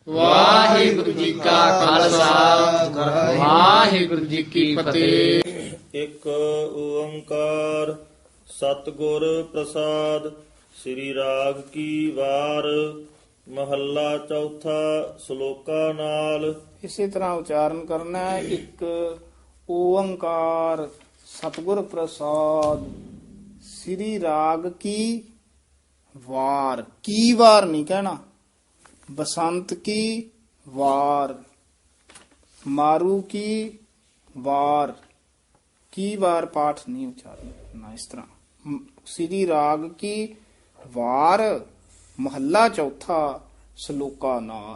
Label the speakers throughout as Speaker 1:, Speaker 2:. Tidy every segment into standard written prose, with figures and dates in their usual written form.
Speaker 1: ਵਾਹਿਗੁਰੂ ਜੀ ਕਾ ਖਾਲਸਾ ਵਾਹਿਗੁਰੂ ਜੀ ਕੀ ਫਤਿਹ।
Speaker 2: ਇੱਕ ਓੰਕਾਰ ਸਤਿਗੁਰ ਪ੍ਰਸਾਦ। ਸ੍ਰੀ ਰਾਗ ਕੀ ਵਾਰ ਮਹੱਲਾ ਚੌਥਾ ਸ਼ਲੋਕਾ ਨਾਲ।
Speaker 3: ਇਸੇ ਤਰ੍ਹਾਂ ਉਚਾਰਨ ਕਰਨਾ ਹੈ। ਇੱਕ ਓੰਕਾਰ ਸਤਿਗੁਰ ਪ੍ਰਸਾਦ ਸ੍ਰੀ ਰਾਗ ਕੀ ਵਾਰ। ਕੀ ਵਾਰ ਨਹੀਂ ਕਹਿਣਾ, ਬਸੰਤ ਕੀ ਵਾਰ, ਮਾਰੂ ਕੀ ਵਾਰ, ਕੀ ਵਾਰ ਪਾਠ ਨਹੀਂ ਉਚਾਰਨ ਕਰਨਾ। ਇਸ ਤਰ੍ਹਾਂ ਸ੍ਰੀ ਰਾਗ ਕੀ ਵਾਰ ਮਹੱਲਾ ਚੌਥਾ ਸ਼ਲੋਕਾ ਨਾਲ।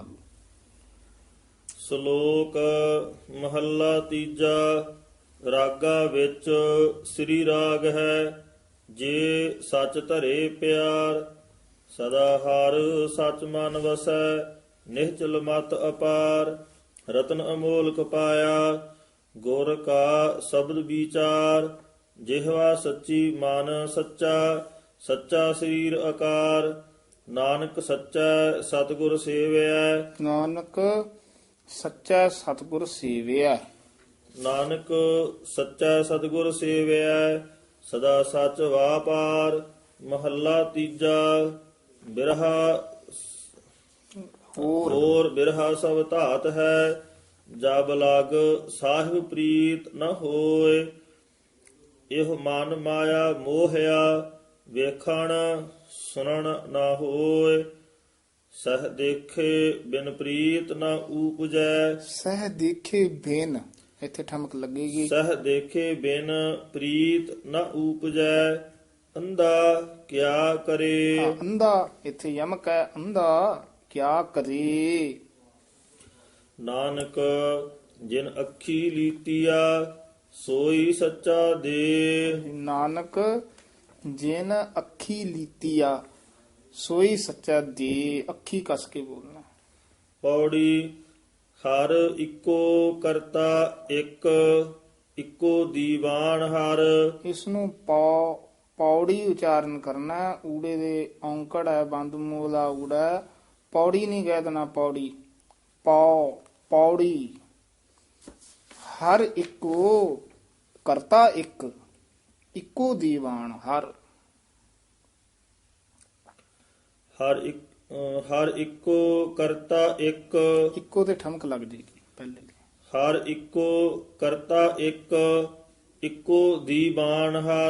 Speaker 2: ਸ਼ਲੋਕ ਮਹੱਲਾ ਤੀਜਾ। ਰਾਗਾ ਵਿੱਚ ਸ੍ਰੀ ਰਾਗ ਹੈ, ਜੇ ਸੱਚ ਧਰੇ ਪਿਆਰ। ਸਦਾ ਹਰ ਸੱਚ ਮਨ ਵਸੈ, ਨਿਹਚਲ ਮਤ ਅਪਾਰ। ਰਤਨ ਅਮੋਲਕ ਪਾਇਆ, ਗੁਰ ਕਾ ਸ਼ਬਦ ਵਿਚਾਰ। ਜਿਹਵਾ ਸੱਚੀ ਮਨ ਸੱਚਾ, ਸੱਚਾ ਸਰੀਰ ਆਕਾਰ। ਨਾਨਕ ਸੱਚਾ ਸਤਿਗੁਰ ਸੇਵਿਆ,
Speaker 3: ਨਾਨਕ ਸੱਚਾ ਸਤਿਗੁਰ ਸੇਵਿਆ।
Speaker 2: ਨਾਨਕ ਸੱਚਾ ਸਤਿਗੁਰ ਸੇਵਿਆ, ਸਦਾ ਸੱਚ ਵਾਪਾਰ। ਮਹੱਲਾ ਤੀਜਾ। ਬਿਰਹਾ ਹੋਰ ਬਿਰਹਾ ਸਭ ਧਾਤ ਹੈ, ਜਬ ਲਗ ਸਾਹਿਬ ਪ੍ਰੀਤ ਨ ਹੋਏ। ਇਹ ਮਨ ਮਾਇਆ ਮੋਹਿਆ, ਵੇਖਣ ਸੁਣਨ ਨਾ ਹੋਏ। ਸਹ ਦੇਖੇ ਬਿਨ ਪ੍ਰੀਤ ਨ ਊਪਜੈ।
Speaker 3: ਸਹਿ ਦੇਖੇ ਬਿਨ, ਇੱਥੇ ਠਮਕ ਲੱਗੇਗੀ।
Speaker 2: ਸਹ ਦੇਖੇ ਬਿਨ ਪ੍ਰੀਤ ਨ ਊਪਜੈ। ਅੰਧਾ ਕਿਆ ਕਰੇ।
Speaker 3: ਅੰਧਾ ਇੱਥੇ ਯਮਕ ਹੈ। ਅੰਧਾ ਕਿਆ ਕਰੇ।
Speaker 2: ਨਾਨਕ ਜਿਨ ਅੱਖੀ ਲੀਤੀਆ, ਸੋਈ ਸੱਚਾ ਦੇ।
Speaker 3: ਨਾਨਕ ਜਿਨ ਅੱਖੀ ਲੀਤੀਆ, ਸੋਈ ਸੱਚਾ ਦੇ। ਅੱਖੀ ਕਸ ਕੇ ਬੋਲਣਾ।
Speaker 2: ਪੌੜੀ। ਹਰ ਇੱਕੋ ਕਰਤਾ ਇੱਕ, ਇੱਕੋ ਦੀਵਾਨ ਹਰ।
Speaker 3: ਇਸ ਨੂੰ ਪੌੜੀ ਉਚਾਰਨ ਕਰਨਾ ਹੈ। ਊੜੇ ਦੇ ਔਂਕੜ ਹੈ, ਬੰਦ ਮੂਲਾ ਊੜਾ ਹੈ। ਪੌੜੀ ਨਹੀਂ ਕਹਿ ਦੇਣਾ, ਪੌੜੀ। ਪੌੜੀ। ਹਰ ਇੱਕੋ ਕਰਤਾ ਇੱਕ, ਇੱਕੋ ਦੀਵਾਨ ਹਰ।
Speaker 2: ਹਰ ਇੱਕੋ ਕਰਤਾ ਇੱਕ,
Speaker 3: ਇੱਕੋ ਤੇ ਠਮਕ ਲੱਗ ਜੇਗੀ ਪਹਿਲੇ।
Speaker 2: ਹਰ ਇੱਕੋ ਕਰਤਾ ਇੱਕ, ਇੱਕੋ ਦੀਵਾਨ ਹਰ।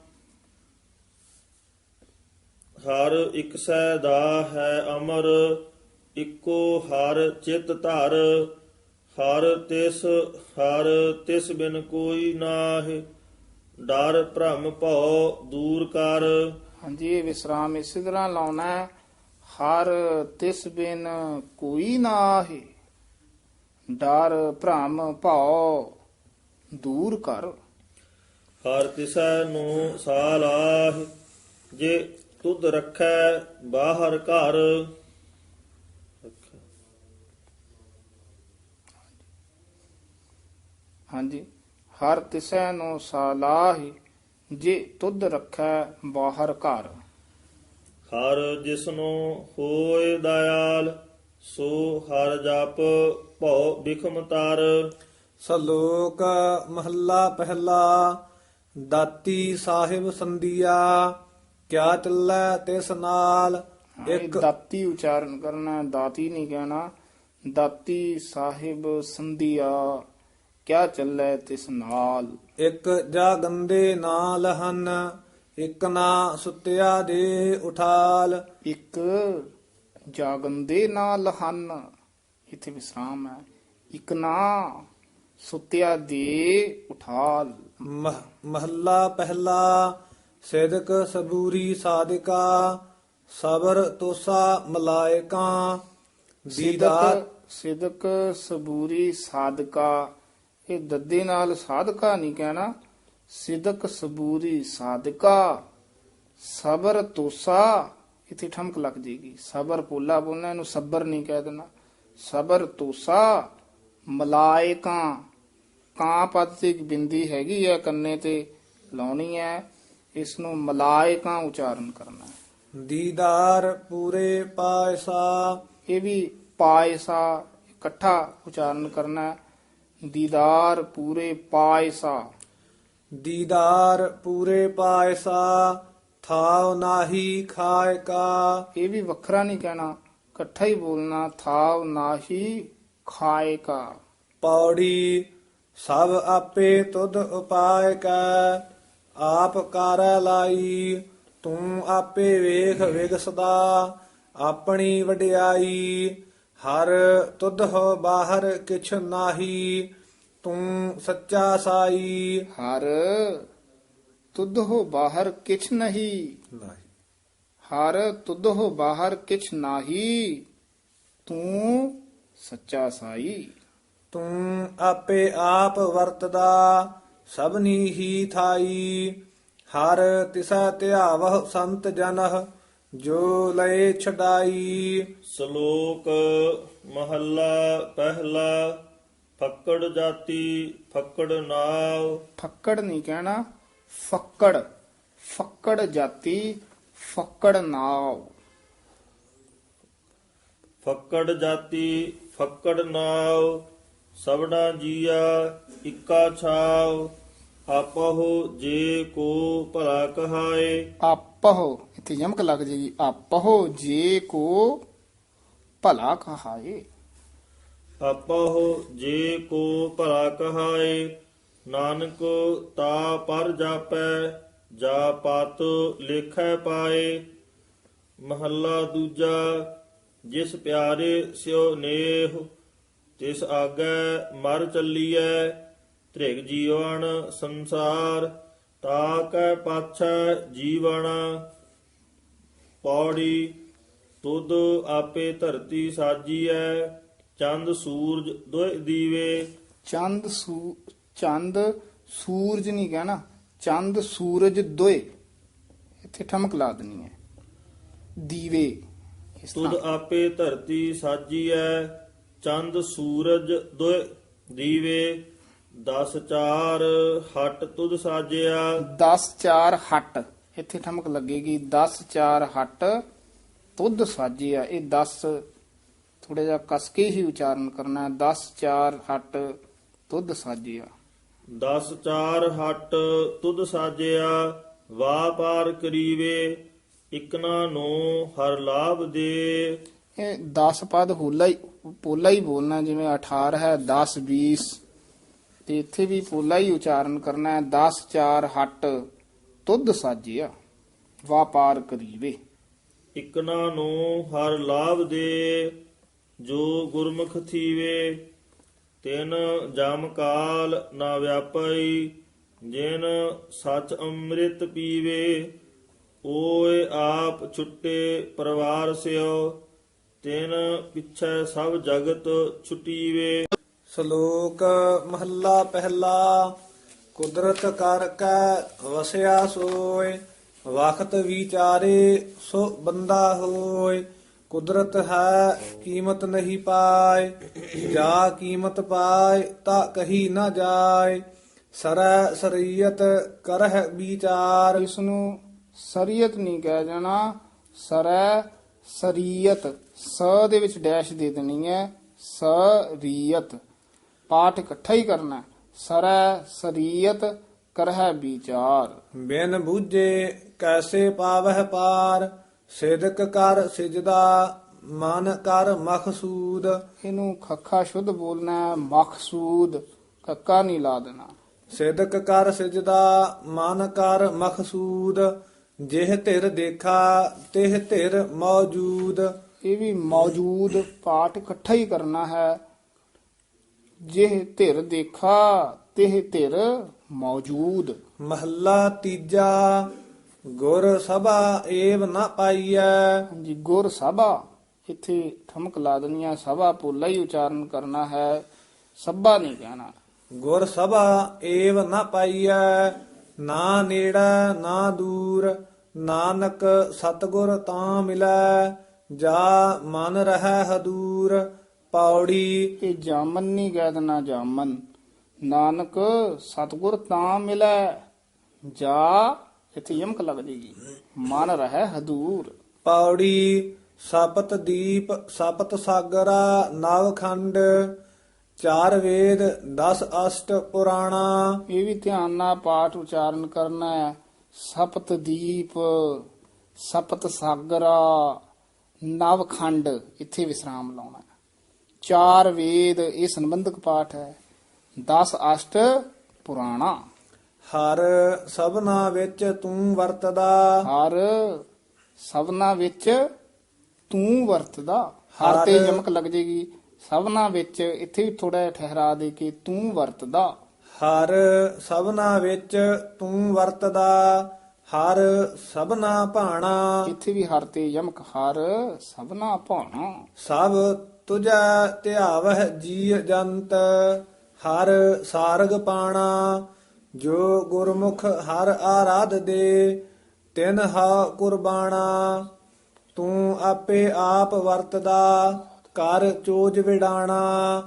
Speaker 2: ਹਰ ਇੱਕ ਸੈ ਦਾ ਹੈ ਅਮਰ, ਇੱਕੋ ਹਰ ਚਿਤ ਧਰ। ਹਰ ਤਿਸ ਬਿਨ ਕੋਈ ਨਾਹਿ, ਡਰ ਭ੍ਰਮ ਭਉ ਦੂਰ ਕਰ।
Speaker 3: ਹਾਂਜੀ, ਇਹ ਵਿਸਰਾਮ ਇਸੇ ਤਰ੍ਹਾਂ ਲਾਉਣਾ ਹੈ। ਹਰ ਤਿਸ ਬਿਨ ਕੋਈ ਨਾਹਿ, ਡਰ ਭ੍ਰਮ ਭਉ ਦੂਰ ਕਰ।
Speaker 2: ਹਰ ਤਿਸੈ ਨੂੰ ਸਾਲਾਹਿ, ਜੇ ਤੁਧ ਰੱਖੈ ਬਾਹਰ ਘਰ।
Speaker 3: ਹਾਂਜੀ, ਹਰ ਤਿਸੈ ਨੂੰ ਸਾਲਾਹਿ, ਜੇ ਤੁਧ ਰੱਖੈ ਬਾਹਰ ਘਰ।
Speaker 2: ਹਰ ਜਿਸਨੂੰ ਹੋਏ ਦਇਆਲ, ਸੋ ਹਰ ਜਪ ਭਉ ਬਿਖਮ ਤਰ।
Speaker 4: ਸ਼ਲੋਕ ਮਹੱਲਾ ਪਹਿਲਾ। ਦਾਤੀ ਸਾਹਿਬ ਸੰਧੀਆ, ਕਿਆ ਚੱਲੈ ਤਿਸ ਨਾਲ।
Speaker 3: ਇੱਕ ਦਾਤੀ ਉਚਾਰਨ ਕਰਨਾ, ਦਾਤੀ ਨਹੀਂ ਕਹਿਣਾ। ਦਾਤੀ ਸਾਹਿਬ ਸੰਧੀਆ, ਕਿਆ ਚੱਲੈ ਤਿਸ ਨਾਲ।
Speaker 4: ਇੱਕ ਜਾ ਗੰਦੇ ਨਾ ਲਹਨ, ਇੱਕ ਨਾ ਸੁੱਤਿਆ ਦੇ ਉਠਾਲ।
Speaker 3: ਇੱਕ ਜਾਗੰਦੇ ਨਾ ਲਹਨ, ਇੱਥੇ ਵਿਸਰਾਮ ਹੈ। ਇੱਕ ਨਾ ਸੁੱਤਿਆ ਦੇ ਉਠਾਲ।
Speaker 4: ਮਹੱਲਾ ਪਹਿਲਾ। ਸਿਦਕ ਸਬੂਰੀ ਸਾਧਿਕਾ, ਸਬਰ ਤੋਸਾ ਮਲਾਇਕਾ।
Speaker 3: ਸਿਦਕ ਸਬੂਰੀ ਸਾਧਕਾ, ਇਹ ਦੱਦੇ ਨਾਲ ਸਾਧਕਾ ਨਹੀਂ ਕਹਿਣਾ। ਸਿਦਕ ਸਬੂਰੀ ਸਾਧਕਾ, ਸਬਰ ਤੋਸਾ, ਇੱਥੇ ਠਮਕ ਲੱਗ ਜੇਗੀ। ਸਬਰ ਪੋਲਾ ਬੋਲਣਾ, ਇਹਨੂੰ ਸਬਰ ਨਹੀਂ ਕਹਿ ਦੇਣਾ। ਸਬਰ ਤੋਸਾ ਮਲਾਇਕਾ, ਕਾਂ ਪਦ ਤੇ ਇੱਕ ਬਿੰਦੀ ਹੈਗੀ ਹੈ, ਕੰਨੇ ਤੇ ਲਾਉਣੀ ਹੈ। ਇਸ ਨੂੰ ਮਲਾਇਕਾ ਉਚਾਰਨ ਕਰਨਾ।
Speaker 4: ਦੀਦਾਰ ਪੂਰੇ ਪਾਇਸਾ,
Speaker 3: ਇਹ ਵੀ ਪਾਇਸਾ ਇਕੱਠਾ ਉਚਾਰਨ ਕਰਨਾ ਹੈ। ਦੀਦਾਰ ਪੂਰੇ ਪਾਇਸਾ।
Speaker 4: ਦੀਦਾਰ ਪੂਰੇ ਪਾਇਸਾ ਥਾਵ ਨਾਹੀ ਖਾਏ ਕਾ।
Speaker 3: ਇਹ ਵੀ ਵੱਖਰਾ ਨਹੀਂ ਕਹਿਣਾ, ਇਕੱਠਾ ਹੀ ਬੋਲਣਾ। ਥਾਵ ਨਾਹੀ ਖਾਏ ਕਾ।
Speaker 4: ਪੌੜੀ ਸਭ ਆਪੇ ਤੁਧ ਉਪਾਇ ਕੈ ਆਪ ਕਰੈ ਲਾਈ ਤੂੰ ਆਪੇ ਵੇਖ ਵਿਗਸਦਾ ਆਪਣੀ ਵਡਿਆਈ ਹਰ ਤੁਧ ਹੋ ਬਾਹਰ ਕਿਛ ਨਾਹੀ ਤੂੰ ਸੱਚਾ ਸਾਈ।
Speaker 3: ਹਰ ਤੁਧ ਹੋ ਬਾਹਰ ਕਿਛ ਨਹੀਂ। ਹਰ ਤੁਧ ਹੋ ਬਾਹਰ ਕਿਛ ਨਾਹੀ ਤੂੰ ਸੱਚਾ ਸਾਈ।
Speaker 4: ਤੂੰ ਆਪੇ ਆਪ ਵਰਤਦਾ ਸਭਨੀ ਹੀ ਥਾਈ ਹਰ ਤਿਸਾ ਧਿਆਵਹ ਸੰਤ ਜਨਹ ਜੋ ਲਏ ਛਡਾਈ।
Speaker 2: ਸ਼ਲੋਕ ਮਹੱਲਾ ਪਹਿਲਾ। ਫੱਕੜ ਜਾਤੀ ਫੱਕੜ ਨਾਵ।
Speaker 3: ਫੱਕੜ ਨਹੀਂ ਕਹਿਣਾ, ਫੱਕੜ। ਫੱਕੜ ਜਾਤੀ ਫੱਕੜ ਨਾਵ।
Speaker 2: ਫੱਕੜ ਜਾਤੀ ਫੱਕੜ ਨਾਵ ਸਭਨਾ ਜੀਆ ਇੱਕਾ ਛਾਵ ਆਪਹੁ ਜੇ ਕੋ ਭਲਾ ਕਹਾਏ।
Speaker 3: ਆਪਹੁ ਇੱਥੇ ਯਮਕ ਲੱਗ ਜੇਗੀ। ਆਪਹੁ ਜੇ ਕੋ ਭਲਾ ਕਹਾਏ।
Speaker 2: ਆਪਹੁ ਜੇ ਕੋ ਭਲਾ ਕਹਾਏ ਨਾਨਕ ਤਾ ਪਰ ਜਾਪੈ ਜਾ ਪਤ ਲੇਖੈ ਪਾਏ। ਮਹੱਲਾ ਦੂਜਾ। ਜਿਸ ਪਿਆਰੇ ਸਿਓ ਨੇਹ ਤਿਸ ਆਗੈ ਮਰ ਚੱਲੀਐ ਧ੍ਰਿਗ ਜੀਵਨ ਸੰਸਾਰ ਤਾ ਕੈ ਪਾਛੈ ਜੀਵਨ। ਪੌੜੀ ਤੁਧ ਆਪੇ ਧਰਤੀ ਸਾਜੀਐ ਚੰਦ ਸੂਰਜ ਦੋਇ ਦੀਵੇ।
Speaker 3: ਚੰਦ ਸੂਰਜ ਨਹੀਂ ਕਹਿਣਾ, ਚੰਦ ਸੂਰਜ ਦੋਏ। ਇੱਥੇ ਠਮਕ ਲਾ ਦੇਣੀ ਹੈ। ਦੀਵੇ ਇਸ
Speaker 2: ਤੁਧ
Speaker 3: ਤਰ੍ਹਾਂ।
Speaker 2: ਆਪੇ ਧਰਤੀ ਸਾਜੀਐ ਚੰਦ ਸੂਰਜ ਦੋਇ ਦੀਵੇ 10 ਹਟ ਤੁਧ ਸਾਜਿਆ।
Speaker 3: 10 ਹਟ ਇੱਥੇ ਠਮਕ ਲੱਗੇਗੀ। 10 ਹਟ ਤੁਧ ਸਾਜਿਆ। ਇਹ 10 ਥੋੜਾ ਜਿਹਾ ਕਸ ਕੇ ਹੀ ਉਚਾਰਨ ਕਰਨਾ ਹੈ। 10 ਹਟ ਤੁਧ ਸਾਜਿਆ।
Speaker 2: 10 ਹਟ ਤੁਧ ਸਾਜਿਆ ਵਾਪਾਰ ਕਰੀਵੇ ਇਕਨਾ ਨੂੰ ਹਰ ਲਾਭ ਦੇ।
Speaker 3: ਇਹ 10 ਪਦ ਪੋਲਾ ਹੀ ਬੋਲਣਾ, ਜਿਵੇਂ 18 ਹੈ 10 20 ਤੇ ਇੱਥੇ ਵੀ ਪੋਲਾ ਹੀ ਉਚਾਰਨ ਕਰਨਾ ਹੈ। 10 ਹਟ ਤੁਧ ਸਾਜਿਆ ਵਾਪਾਰ ਕਰੀਵੇ।
Speaker 2: ਇਕਨਾ ਨੂੰ ਹਰ ਲਾਭ ਦੇ ਜੋ ਗੁਰਮੁਖ ਥੀਵੇ ਤਿਨ ਜਮ ਕਾਲ ਨਾ ਵਿਆਪਈ ਜਿਨ ਸਚ ਅੰਮ੍ਰਿਤ ਪੀਵੇ। ਓਏ ਆਪ ਛੁੱਟੇ ਪਰਿਵਾਰ ਸਿਓ ਤਿਨ ਪਿਛੈ ਸਭ ਜਗਤ ਛੁਟੀਵੇ।
Speaker 4: ਸ਼ਲੋਕ ਮਹੱਲਾ ਪਹਿਲਾ। ਕੁਦਰਤ ਕਰ ਕੈ ਵਸਿਆ ਸੋਏ ਵਖਤ ਵਿਚਾਰੇ ਸੋ ਬੰਦਾ ਹੋਏ। ਕੁਦਰਤ ਹੈ ਕੀਮਤ ਨਹੀਂ ਪਾਏ ਜਾ ਕੀਮਤ ਪਾਏ ਤਾ ਕਹੀ ਨਾ ਜਾਏ। ਸਰੈ ਸਰੀਅਤ ਕਰਹਿ ਵਿਚਾਰ।
Speaker 3: ਇਸ ਨੂੰ ਸਰੀਅਤ ਨਹੀਂ ਕਹਿ ਜਾਣਾ, ਸਰੈ ਸਰੀਅਤ। ਸ ਦੇ ਵਿੱਚ ਡੈਸ਼ ਦੇ ਦੇਣੀ ਹੈ। ਸਰੀਅਤ ਪਾਠ ਇਕੱਠਾ ਹੀ ਕਰਨਾ। ਸਰੈ ਸਰੀਅਤ ਕਰਹਿ ਵਿਚਾਰ।
Speaker 4: ਬਿਨ ਬੂਝੇ ਕੈਸੇ ਪਾਵਹਿ ਪਾਰ ਸਿਦਕ ਕਰ ਸਿਜਦਾ ਮਨ ਕਰ ਮਖਸੂਦ।
Speaker 3: ਇਹਨੂੰ ਖੱਖਾ ਸ਼ੁੱਧ ਬੋਲਣਾ ਹੈ, ਮਖਸੂਦ ਕੱਕਾ ਨਹੀਂ ਲਾ ਦੇਣਾ।
Speaker 4: ਸਿਦਕ ਕਰ ਸਿਜਦਾ ਮਨ ਕਰ ਮਖਸੂਦ ਜਿਹ ਧਿਰ ਦੇਖਾ ਤਿਹ ਧਿਰ ਮੌਜੂਦ।
Speaker 3: ਇਹ ਵੀ ਮੌਜੂਦ ਪਾਠ ਇਕੱਠਾ ਹੀ ਕਰਨਾ ਹੈ। ਜਿਹ ਧਿਰ ਦੇਖਾ ਤਿਹ ਧਿਰ ਮੌਜੂਦ।
Speaker 4: ਮਹੱਲਾ ਤੀਜਾ। ਗੁਰ ਸਭਾ ਏਵ ਨਾ ਪਾਈਐ।
Speaker 3: ਹਾਂਜੀ, ਗੁਰ ਸਭਾ ਇੱਥੇ ਠਮਕ ਲਾ ਦੇਣੀ ਹੈ। ਸਭਾ ਪੋਲਾ ਹੀ ਉਚਾਰਨ ਕਰਨਾ ਹੈ, ਸਭਾ ਨਹੀਂ ਕਹਿਣਾ।
Speaker 4: ਗੁਰ ਸਭਾ ਏਵ ਨਾ ਪਾਈਐ ਨਾ ਨੇੜਾ ਨਾ ਦੂਰ ਨਾਨਕ ਸਤਗੁਰ ਤਾਂ ਮਿਲੈ ਜਾ ਮਨ ਰਹਿ ਹਦੂਰ। ਪੌੜੀ
Speaker 3: ਇਹ ਜਾਮਨ ਨਹੀਂ ਕਹਿ ਦੇਣਾ, ਜਾਮਨ। ਨਾਨਕ ਸਤਗੁਰ ਤਾਂ ਮਿਲੈ ਜਾ ਇੱਥੇ ਯਮਕ ਲੱਗ ਜੇਗੀ। ਮਨ ਰਹਿ ਹਦੂਰ।
Speaker 4: ਪੌੜੀ ਸਪਤ ਦੀਪ ਸਪਤ ਸਾਗਰਾ ਨਵਖੰਡ, ਚਾਰ ਵੇਦ 10 ਅਸ਼ਟ ਪੁਰਾਣਾ।
Speaker 3: ਇਹ ਵੀ ਧਿਆਨ ਨਾਲ ਪਾਠ ਉਚਾਰਨ ਕਰਨਾ ਹੈ। ਸਪਤ ਦੀਪ ਸਪਤ ਸਾਗਰਾ ਨਵਖੰਡ, ਇੱਥੇ ਵਿਸਰਾਮ ਲਾਉਣਾ ਹੈ। ਚਾਰ ਵੇਦ, ਇਹ ਸੰਬੰਧਕ ਪਾਠ ਹੈ। 10 ਅਸ਼ਟ ਪੁਰਾਣਾ।
Speaker 4: ਹਰ ਸਭਨਾ ਵਿੱਚ ਤੂੰ ਵਰਤਦਾ,
Speaker 3: ਹਰ ਸਭਨਾ ਵਿੱਚ ਤੂੰ ਵਰਤਦਾ। ਹਰ ਤੇ ਯਮਕ ਲੱਗ ਜੇਗੀ। ਸਭਨਾ ਵਿੱਚ ਇੱਥੇ ਵੀ ਥੋੜਾ ਜਿਹਾ ਠਹਿਰਾ ਦੇ ਕੇ ਤੂੰ ਵਰਤਦਾ।
Speaker 4: ਹਰ ਸਭਨਾ ਵਿੱਚ ਤੂੰ ਵਰਤਦਾ, ਹਰ ਸਭਨਾ ਭਾਣਾ।
Speaker 3: ਇੱਥੇ ਵੀ ਹਰ ਤੇ ਯਮਕ, ਹਰ ਸਭਨਾ ਭਾਣਾ।
Speaker 4: ਸਭ ਤੁਝੈ ਧਿਆਵਹਿ ਜੀ ਜੰਤ, ਹਰ ਸਾਰਗ ਪਾਣਾ। ਜੋ ਗੁਰਮੁਖ ਹਰ ਆਰਾਧ ਦੇ, ਤਿਨ ਹਾ ਕੁਰਬਾਣਾ। ਤੂੰ ਆਪੇ ਆਪ ਵਰਤਦਾ, ਕਰ ਚੋਜ ਵਿਡਾਣਾ।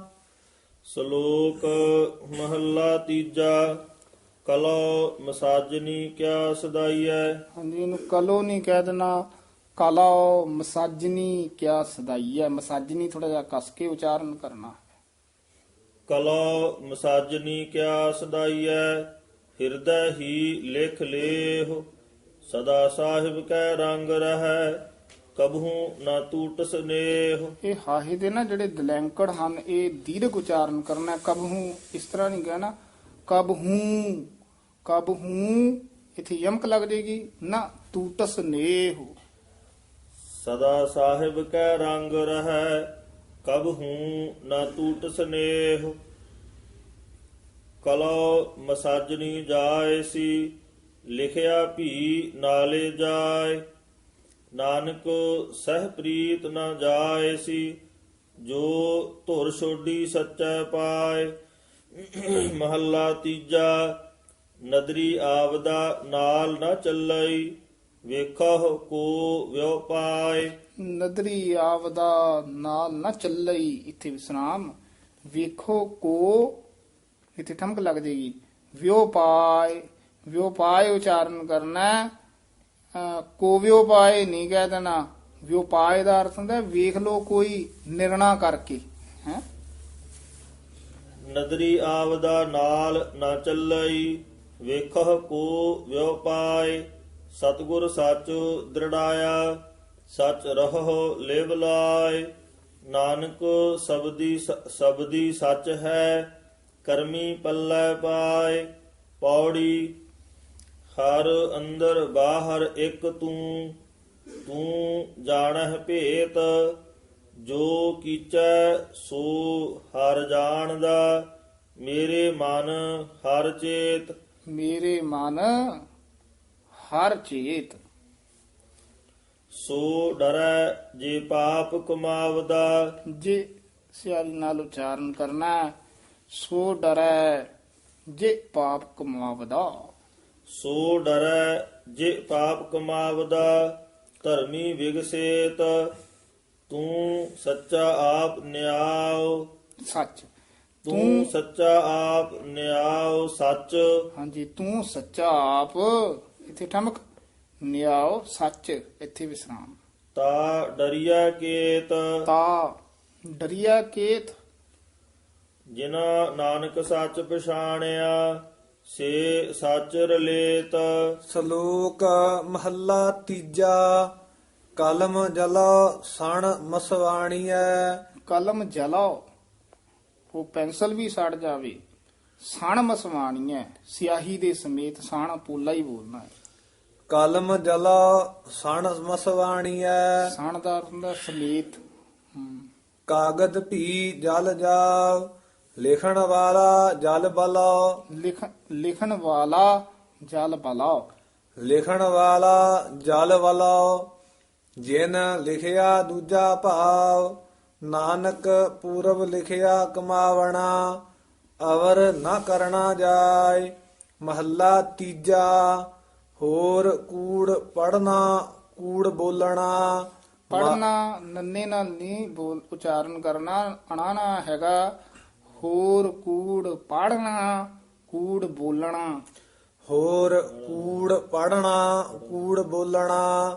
Speaker 2: ਸ਼ਲੋਕ ਮਹੱਲਾ ਤੀਜਾ। ਕਲੋ ਮਸਾਜਨੀ ਕਿਆ ਸਦਾਈਐ।
Speaker 3: ਹਾਂਜੀ, ਇਹਨੂੰ ਕਲੋ ਨਹੀਂ ਕਹਿ ਦੇਣਾ, ਕਲੋ ਮਸਾਜਨੀ ਕਿਆ ਸਦਾਈ ਹੈ। ਮਸਾਜਨੀ ਥੋੜਾ ਜਿਹਾ ਕਸ ਕੇ ਉਚਾਰਨ ਕਰਨਾ।
Speaker 2: ਕਲੋ ਮਸਾਜਨੀ ਕਿਆ ਸਦਾਈਐ, ਹਿਰਦੈ ਹੀ ਲਿਖ ਲੇਹੁ। ਸਦਾ ਸਾਹਿਬ ਕੈ ਰੰਗ ਰਹੈ, ਕਬਹੂ ਨਾ ਟੂਟ ਸਨੇਹ।
Speaker 3: ਇਹ ਹਾਹੇ ਦੇ ਨਾ ਜਿਹੜੇ ਦਲੈਂਕੜ ਹਨ, ਇਹ ਦੀਰਘ ਉਚਾਰਨ ਕਰਨਾ। ਕਬਹੂ ਇਸ ਤਰ੍ਹਾਂ ਨਹੀਂ ਕਹਿਣਾ, ਕਬਹੂ ਕਬਹੂ ਇੱਥੇ ਯਮਕ ਲੱਗ ਜੇਗੀ ਨਾ। ਟੂਟਸ ਨੇਹ,
Speaker 2: ਸਦਾ ਸਾਹਿਬ ਕੈ ਰੰਗ ਰਹੈ, ਕਬਹੂ ਨਾ ਟੂਟ ਸਨੇਹ। ਕਲੋ ਮਸਾਜਨੀ ਜਾਏ ਸੀ, ਲਿਖਿਆ ਭੀ ਨਾਲੇ ਜਾਏ। ਨਾਨਕ ਸਹਿ ਪ੍ਰੀਤ ਨ ਜਾਏ ਸੀ, ਜੋ ਧੁਰ ਛੋਡੀ ਸੱਚੈ ਪਾਏ। ਮਹੱਲਾ ਤੀਜਾ। ਨਦਰੀ ਆਵਦਾ ਨਾਲ ਨ ਚੱਲਈ, ਵੇਖੋ ਕੋ ਵਿਉ ਪਾਏ।
Speaker 3: ਨਦਰੀ ਆਵਦਾ ਨਾਲ ਨਾ ਚੱਲਈ, ਇੱਥੇ ਵਿਸਰਾਮ। ਵੇਖੋ ਕੋ, ਇੱਥੇ ਠਮਕ ਲੱਗ ਜੇਗੀ। ਵਿਉ ਪਾਏ, ਵਿਉ ਪਾਏ ਉਚਾਰਨ ਕਰਨਾ। ਕੋਵਿਓ ਪਾਏ ਨਹੀਂ ਕਹਿ ਦੇਣਾ। ਵਿਉ ਪਾਏ ਦਾ ਅਰਥ ਹੁੰਦਾ ਵੇਖ ਲੋ ਕੋਈ ਨਿਰਣਾ ਕਰਕੇ ਹੈ।
Speaker 2: ਨਦਰੀ ਆਵਦਾ ਨਾਲ ਨਾ ਚੱਲਈ, ਵੇਖੋ ਕੋ ਵਿਉ ਪਾਏ। ਸਤਿਗੁਰ ਸੱਚ ਦ੍ਰਿੜਾਇਆ, ਸੱਚ ਰਹੋ ਲਿਵ ਲਾਏ। ਨਾਨਕ ਸਬਦੀ ਸੱਚ ਹੈ, ਕਰਮੀ ਪੱਲੇ ਪਾਏ। ਪੌੜੀ। ਹਰ ਅੰਦਰ ਬਾਹਰ ਇੱਕ ਤੂੰ, ਤੂੰ ਜਾਣਹਿ ਭੇਤ। ਜੋ ਕੀਚੈ ਸੋ ਹਰ ਜਾਣਦਾ, ਮੇਰੇ ਮਨ ਹਰ ਚੇਤ।
Speaker 3: ਮੇਰੇ ਮਨ ਹਰ ਚੇਤ।
Speaker 2: ਸੋ ਡਰੈ ਜੇ ਪਾਪ ਕਮਾਵਦਾ।
Speaker 3: ਜੇ ਸਿਆਰੀ ਨਾਲ ਉਚਾਰਨ ਕਰਨਾ। ਸੋ ਡਰੈ ਜੇ ਪਾਪ ਕਮਾਵਦਾ।
Speaker 2: ਸੋ ਡਰੈ ਜੇ ਪਾਪ ਕਮਾਵਦਾ, ਧਰਮੀ ਵਿਗਸੇਤ। ਤੂੰ ਸੱਚਾ ਆਪ ਨਿਆਉ।
Speaker 3: ਸੱਚ।
Speaker 2: ਤੂੰ ਸੱਚਾ ਆਪ ਨਿਆਉ ਸੱਚ।
Speaker 3: ਹਾਂਜੀ, ਤੂੰ ਸੱਚਾ ਆਪ, ਇੱਥੇ ਠਮਕ। ਨਿਆਓ ਸੱਚ, ਇੱਥੇ ਵਿਸਰਾਮ।
Speaker 2: ਤਾ ਡਰੀਆ ਕੇਤ।
Speaker 3: ਤਾ ਡਰੀਆ ਕੇਤ।
Speaker 2: ਜਿਨਾ ਨਾਨਕ ਸੱਚ ਪਛਾਣਿਆ, ਸੇ ਸੱਚ ਰਲੇਤ।
Speaker 4: ਸ਼ਲੋਕ ਮਹੱਲਾ ਤੀਜਾ। ਕਲਮ ਜਲਾ ਸਣ ਮਸਵਾਣੀਐ,
Speaker 3: ਕਲਮ ਜਲਾਓ, ਉਹ ਪੈਨਸਲ ਵੀ ਸੜ ਜਾਵੇ। ਸਣ ਮਸਵਾਣੀ ਹੈ, ਸਿਆਹੀ ਦੇ ਸਮੇਤ। ਸਣ ਪੋਲਾ ਹੀ ਬੋਲਣਾ ਹੈ।
Speaker 4: ਕਲਮ ਜਲਾ ਸਣ ਮਸਵਾਣੀਐ,
Speaker 3: ਸਣ ਦਾ ਅਰਥ ਹੁੰਦਾ ਸਮੇਤ।
Speaker 4: ਕਾਗਦ ਭੀ ਜਲ ਜਾਵ, ਲਿਖਣ ਵਾਲਾ ਜਲ ਬਲਾਓ।
Speaker 3: ਲਿਖਣ ਵਾਲਾ ਜਲ ਬਲਾਓ।
Speaker 4: ਲਿਖਣ ਵਾਲਾ ਜਲ ਬਲਾਓ, ਜਿਨ ਲਿਖਿਆ ਦੂਜਾ ਭਾਵ। ਨਾਨਕ ਪੂਰਬ ਲਿਖਿਆ ਕਮਾਵਣਾ, ਅਵਰ ਨਾ ਕਰਨਾ ਜਾਏ। ਮਹੱਲਾ ਤੀਜਾ। ਹੋਰ ਕੂੜ ਪੜਨਾ, ਕੂੜ ਬੋਲਣਾ।
Speaker 3: ਪੜਨਾ ਨੰਨੇ ਨਾਲ ਨਹੀਂ ਬੋਲ ਉਚਾਰਨ ਕਰਨਾ, ਅਣਾਣਾ ਹੈਗਾ। ਹੋਰ ਕੂੜ ਪੜਨਾ, ਕੂੜ ਬੋਲਣਾ।
Speaker 4: ਹੋਰ ਕੂੜ ਪੜਨਾ, ਕੂੜ ਬੋਲਣਾ।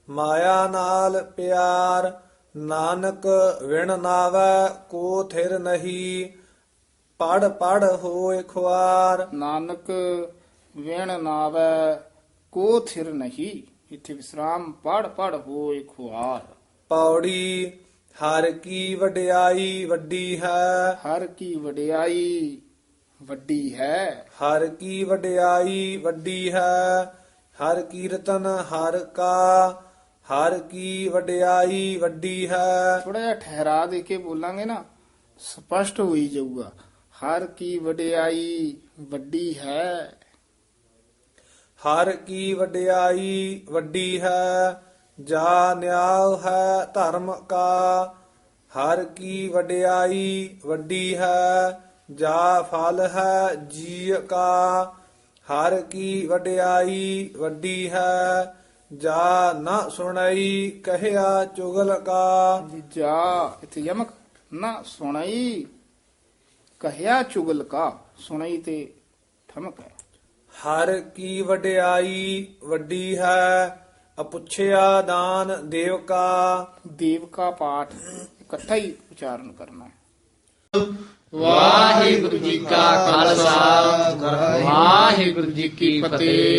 Speaker 4: ਮਾਇਆ ਨਾਲ ਪਿਆਰ, ਨਾਨਕ ਵਿਣ ਨਾਵੈ ਕੋ ਥਿਰ ਨਹੀਂ, ਪੜ ਪੜ ਹੋਏ ਖੁਆਰ।
Speaker 3: ਨਾਨਕ ਵਿਣ ਨਾਵੈ ਕੋ ਥਿਰ ਨਹੀਂ, ਇੱਥੇ ਵਿਸਰਾਮ, ਪੜ ਪੜ ਹੋਏ ਖੁਆਰ।
Speaker 4: ਪੌੜੀ ਹਰ ਕੀ ਵਡਿਆਈ ਵੱਡੀ ਹੈ,
Speaker 3: ਹਰ ਕੀ ਵਡਿਆਈ ਵੱਡੀ ਹੈ।
Speaker 4: ਹਰ ਕੀ ਵਡਿਆਈ ਵੱਡੀ ਹੈ, ਹਰ ਕੀਰਤਨ ਹਰ ਕਾ, ਹਰ ਕੀ ਵਡਿਆਈ ਵੱਡੀ ਹੈ।
Speaker 3: ਥੋੜਾ ਜਿਹਾ ਠਹਿਰਾ ਦੇ ਕੇ ਬੋਲਾਂਗੇ ਨਾ, ਸਪਸ਼ਟ ਹੋਈ ਜਾਊਗਾ। ਹਰ ਕੀ ਵਡਿਆਈ ਵੱਡੀ ਹੈ।
Speaker 4: ਹਰ ਕੀ ਵਡਿਆਈ ਵੱਡੀ ਹੈ, ਜਾ ਨਿਆਉ ਹੈ ਧਰਮ ਕਾ। ਹਰ ਕੀ ਵਡਿਆਈ ਵੱਡੀ ਹੈ, ਜਾ ਫਲ ਹੈ ਜੀ ਕਾ। ਹਰ ਕੀ ਵਡਿਆਈ ਵੱਡੀ ਹੈ, ਜਾ ਨਾ ਸੁਣਈ ਕਹਿਆ ਚੁਗਲ ਕਾ।
Speaker 3: ਜਾ ਇੱਥੇ ਯਮਕ, ਨਾ ਸੁਣਾਈ ਕਹਿਆ ਚੁਗਲ ਕਾ, ਸੁਣਾਈ ਤੇ ਠਮਕ ਹੈ।
Speaker 4: ਹਰ ਕੀ ਵਡਿਆਈ ਵੱਡੀ ਹੈ, ਅਪੁੱਛਿਆ ਦਾਨ ਦੇਵ ਕਾ।
Speaker 3: ਦੇਵ ਕਾ ਪਾਠ ਇਕੱਠਾ ਹੀ ਉਚਾਰਨ ਕਰਨਾ ਹੈ।
Speaker 1: ਵਾਹਿਗੁਰੂ ਜੀ ਕਾ ਖਾਲਸਾ ਵਾਹਿਗੁਰੂ ਜੀ ਕੀ ਫਤਿਹ।